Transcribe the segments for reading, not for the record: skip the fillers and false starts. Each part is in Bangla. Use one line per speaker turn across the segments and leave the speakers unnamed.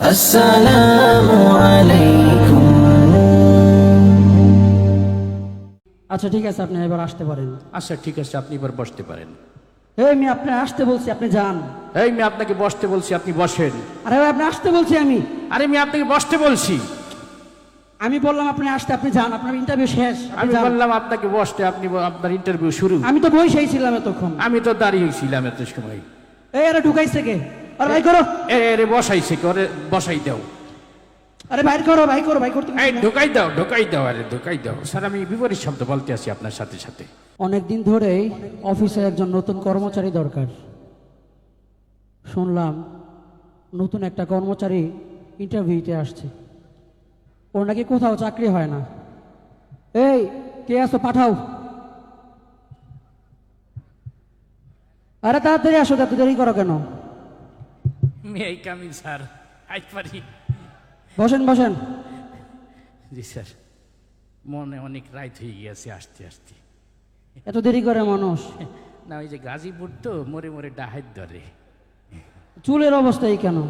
আসসালামু আলাইকুম।
আচ্ছা ঠিক আছে, আপনি এবার আসতে পারেন।
আচ্ছা ঠিক আছে, আপনি এবার বসতে পারেন।
এই আমি আপনি আসতে বলছি, আপনি যান।
এই আমি আপনাকে বসতে বলছি, আপনি বসেন।
আরে ভাই আপনি আসতে বলছি আমি।
আরে আমি আপনাকে বসতে বলছি।
আমি বললাম আপনি আসতে, আপনি যান, আপনার ইন্টারভিউ শেষ, আপনি
আমি
যান।
বললাম আপনাকে বসতে, আপনি আপনার ইন্টারভিউ শুরু।
আমি তো বসেই ছিলাম এতক্ষণ।
আমি তো দাঁড়িয়েছিলাম এত সময়।
এই আরে ঢুকাইছে কে? আরে ভাই করো।
এরে বসাইছে, করে বসাই দাও।
আরে বাইর করো, ভাই করো, ভাই করতে
এই ঢোকাই দাও, ঢোকাই দাও, আরে ঢোকাই দাও। স্যার আমি বিপরীত শব্দ বলতে আছি আপনার সাথে সাথে।
অনেকদিন ধরেই অফিসে একজন নতুন কর্মচারী দরকার। শুনলাম নতুন একটা কর্মচারী ইন্টারভিউতে আসছে। ওর নাকি কোথাও চাকরি হয় না। এই কে আসো, পাঠাও। আরে তাড়াতাড়ি আসো, এত দেরি করো কেন?
এই কামিল স্যার, আজ পারি।
বসেন বসেন।
জি স্যার, মনে অনেক রাত হয়ে গিয়েছে আসতে আসতে।
এত দেরি করে মানুষ?
না ওই যে গাজীপুর তো মরে মরে ডাহাত ধরে।
চুলের অবস্থা এই কেন?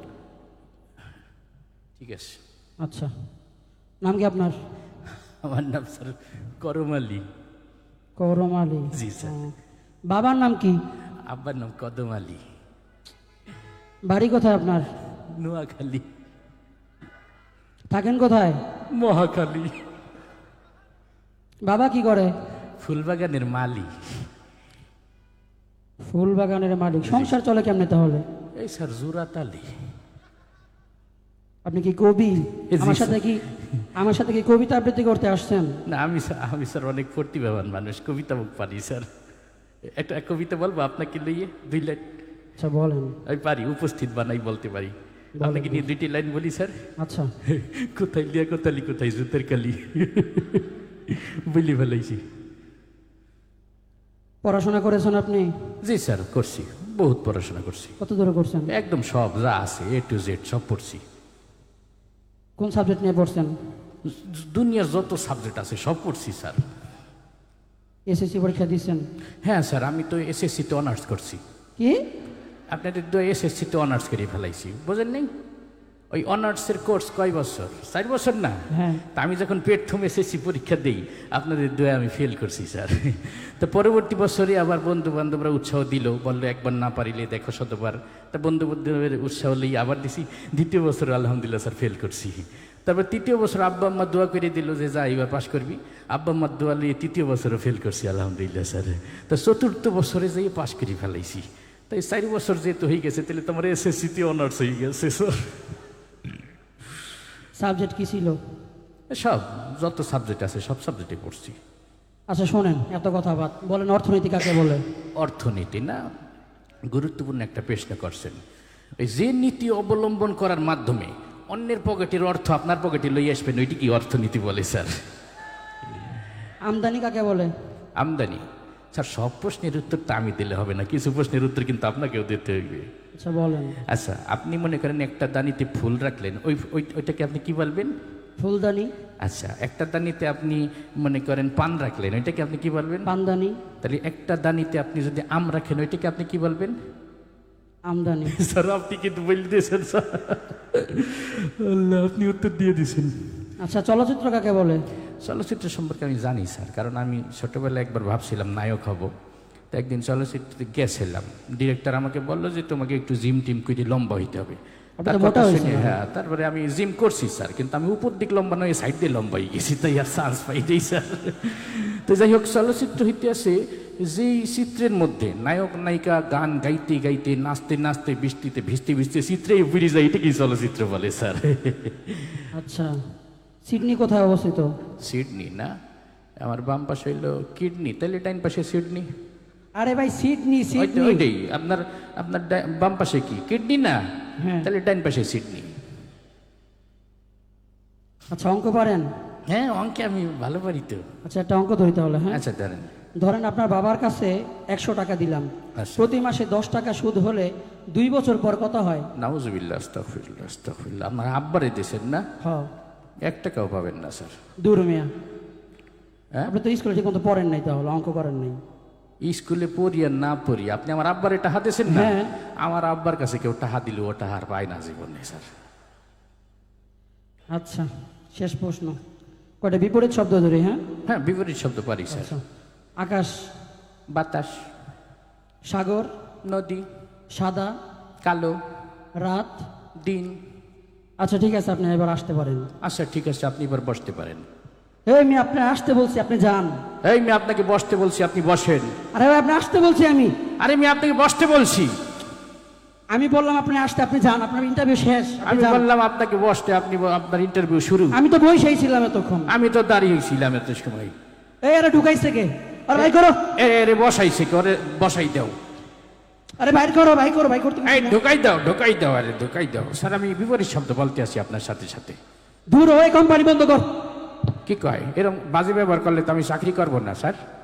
ঠিক আছে।
আচ্ছা, নাম কি আপনার?
আমার নাম স্যার করম আলী।
করম আলী?
জি স্যার।
বাবার নাম কি?
আব্বার নাম কদম আলী।
বাড়ি কোথায় আপনার?
নোয়াখালী।
থাকেন কোথায়?
মহাখালী।
বাবা কি করে?
ফুলবাগানের মালি।
ফুল বাগানের মালিক। সংসার চলে কেমনে তাহলে?
এই স্যার জুরাত আলী।
আপনি কি কবি?
জি,
আমার সাথে কি কবিতা আবৃত্তি করতে আসছেন?
না আমি স্যার অনেক প্রতিভাবান মানুষ, কবিতা মুখ পারি স্যার। একটা কবিতা বলবো আপনাকে লইয়ে 2 লাইন?
আচ্ছা বলেন।
আমি পারি, উপস্থিত বানাই বলতে পারি। আপনাকে নিয়ে 2টি লাইন বলি স্যার।
আচ্ছা।
কোথায় লিয়া কোথালি, কোথায় জুতের কালি। বলি ফেলাইছি।
পড়াশোনা করেছেন আপনি?
জি স্যার করছি, বহুত পড়াশোনা করছি।
কত দূরে করছেন?
একদম সব যা আছে A to Z সব পড়ছি।
কোন সাবজেক্ট নিয়ে পড়ছেন?
দুনিয়ার যত সাবজেক্ট আছে সব পড়ছি স্যার।
এসএসসি পরীক্ষা দিয়েছেন?
হ্যাঁ স্যার, আমি তো এসএসসিতে অনার্স করছি।
কি?
আপনাদের তো এসএসসিতে অনার্স করে ফেলাইছি, বোঝেন নেই? ওই অনার্সের কোর্স কয় বছর? 4 বছর না?
হ্যাঁ।
তা আমি যখন প্রথম এসএসসি পরীক্ষা দিই আপনাদের দোয়া আমি ফেল করছি স্যার। তো পরবর্তী বছরে আবার বন্ধু বান্ধবরা উৎসাহ দিল, বললো একবার না পারিলে দেখো শতবার। তা বন্ধু বান্ধবের উৎসাহ লিয়ে আবার দিছি। 2য় বছর আলহামদুলিল্লাহ স্যার ফেল করছি। তারপর 3য় বছর আব্বা আম্মা দোয়া করে দিল যে যা এবার পাশ করবি। আব্বা আম্মার দোয়া লিয়ে 3য় বছরও ফেল করছি আলহামদুলিল্লাহ স্যার। তা 4র্থ বছরে যেয়ে পাশ করে ফেলাইছি। তাই 4 বছর যেহেতু হয়ে গেছে তাহলে তোমার এসএসসিতে অনার্স হয়ে গেছে স্যার।
সাবজেক্ট কি ছিল?
সব যত সাবজেক্ট আছে সব সাবজেক্টে পড়ছি।
আচ্ছা শোনেন, এত কথা বাদ বলেন, অর্থনীতি কাকে বলে?
অর্থনীতি না, গুরুত্বপূর্ণ একটা প্রশ্ন করছেন। ওই যে নীতি অবলম্বন করার মাধ্যমে অন্যের পকেটের অর্থ আপনার পকেটে লই আসবেন, ওইটি কি অর্থনীতি বলে স্যার?
আমদানি কাকে বলে?
আমদানি? স্যার সব প্রশ্নের উত্তর তো আমি দিলে হবে না, কিছু প্রশ্নের উত্তর কিন্তু আপনাকেও দিতে হইবে।
আচ্ছা বলেন।
আচ্ছা আপনি মনে করেন একটা দানিতে ফুল রাখলেন, ওইটাকে আপনি কি বলবেন?
ফুলদানি।
আচ্ছা একটা দানিতে আপনি মনে করেন পান রাখলেন, ওইটাকে আপনি কি বলবেন?
পানদানি।
তাহলে একটা দানিতে আপনি যদি আম রাখেন, ওইটাকে আপনি কি বলবেন?
আমদানি।
স্যার আপনি কিন্তু বলে দিয়েছেন স্যার। আল্লাহ, আপনি উত্তর দিয়ে দিয়েছেন।
আচ্ছা চলচ্চিত্র কাকে বলে?
চলচ্চিত্র সম্পর্কে আমি জানি স্যার, কারণ আমি ছোটবেলায় একবার ভাবছিলাম নায়ক হব। তো একদিন চলচ্চিত্রে গেছিলাম, ডিরেক্টর আমাকে বললো যে তোমাকে একটু জিম টিম করে লম্বা হইতে হবে। হ্যাঁ, তারপরে আমি জিম করছি স্যার, কিন্তু আমি উপর দিক লম্বা নয়, সাইড দিয়ে লম্বা হয়ে গেছি, তাই আর চান্স পাই যাই স্যার। তো যাই হোক, চলচ্চিত্র হইতে আছে যেই চিত্রের মধ্যে নায়ক নায়িকা গান গাইতে গাইতে নাচতে নাচতে বৃষ্টিতে ভিজতে ভিজতে চিত্রেই বেরিয়ে যায়, এটা কি চলচ্চিত্র বলে স্যার?
আচ্ছা সিডনি কোথায় অবস্থিত?
সিডনি না, আমার বাম পাশে হইলো কিডনি, তাহলে ডাইন পাশে সিডনি।
আরে ভাই সিডনি, সিডনি
ওইটাই আপনার আপনার বাম পাশে কি কিডনি না?
হ্যাঁ।
তাহলে ডাইন পাশে সিডনি।
আচ্ছা অঙ্ক পারেন?
হ্যাঁ অঙ্কে আমি ভালো পারি তো।
আচ্ছা একটা অঙ্ক ধরি তাহলে। হ্যাঁ
আচ্ছা ধরেন।
ধরেন আপনার বাবার কাছে 100 টাকা দিলাম,
আচ্ছা।
প্রতি মাসে 10 টাকা সুদ হলে 2 বছর পর কত হয়?
নাউজুবিল্লাহ, আস্তাগফিরুল্লাহ, আস্তাগফিরুল্লাহ। আমার আব্বারে দেশেন না,
হ্যাঁ।
1 টাকাও পাবেন না স্যার।
দূর মিয়া,
হ্যাঁ
আপনি তো স্কুলে ঠিক মতো পড়েন নাই, তাহলে অঙ্ক করেন নাই।
স্কুলে পড়ি আর না পড়ি, আপনি আমার আব্বারে টাকা দিয়েছেন না?
হ্যাঁ।
আমার আব্বার কাছে কেউ টাকা দিলে ও টাকা আর পায় না জীবনে স্যার।
আচ্ছা, শেষ প্রশ্ন। কয়টা বিপরীত শব্দ ধরে? হ্যাঁ
হ্যাঁ, বিপরীত শব্দ পারি স্যার।
আচ্ছা, আকাশ,
বাতাস,
সাগর,
নদী,
সাদা,
কালো,
রাত।
দিন।
আচ্ছা ঠিক আছে, আপনি এবার আসতে পারেন।
আচ্ছা ঠিক আছে, আপনি এবার বসতে পারেন।
এই আমি আপনি আসতে বলছি, আপনি যান।
এই আমি আপনাকে বসতে বলছি, আপনি বসেন।
আরে ভাই আপনি আসতে বলছি আমি।
আরে আমি আপনাকে বসতে বলছি।
আমি বললাম আপনি আসতে, আপনি যান, আপনার ইন্টারভিউ শেষ, আপনি
আমি
যান।
বললাম আপনাকে বসতে, আপনি আপনার ইন্টারভিউ শুরু।
আমি তো বসেই ছিলাম এতক্ষণ।
আমি তো দাঁড়িয়েছিলাম এত সময়।
এই আরে ঢুকাইছে কে? আরে ভাই করো।
এরে বসাইছে, করে বসাই দাও।
আরে বাইর করো, ভাই করো, ভাই করতে
এই ঢুকাই দাও, ঢুকাই দাও, আরে ঢুকাই দাও। স্যার আমি বিপরীত শব্দ বলতে আছি আপনার সাথে সাথে।
দূর হয়ে কোম্পানি বন্ধ কর।
কি কয়? এরকম বাজে ব্যবহার করলে তো আমি চাকরি করবো না স্যার।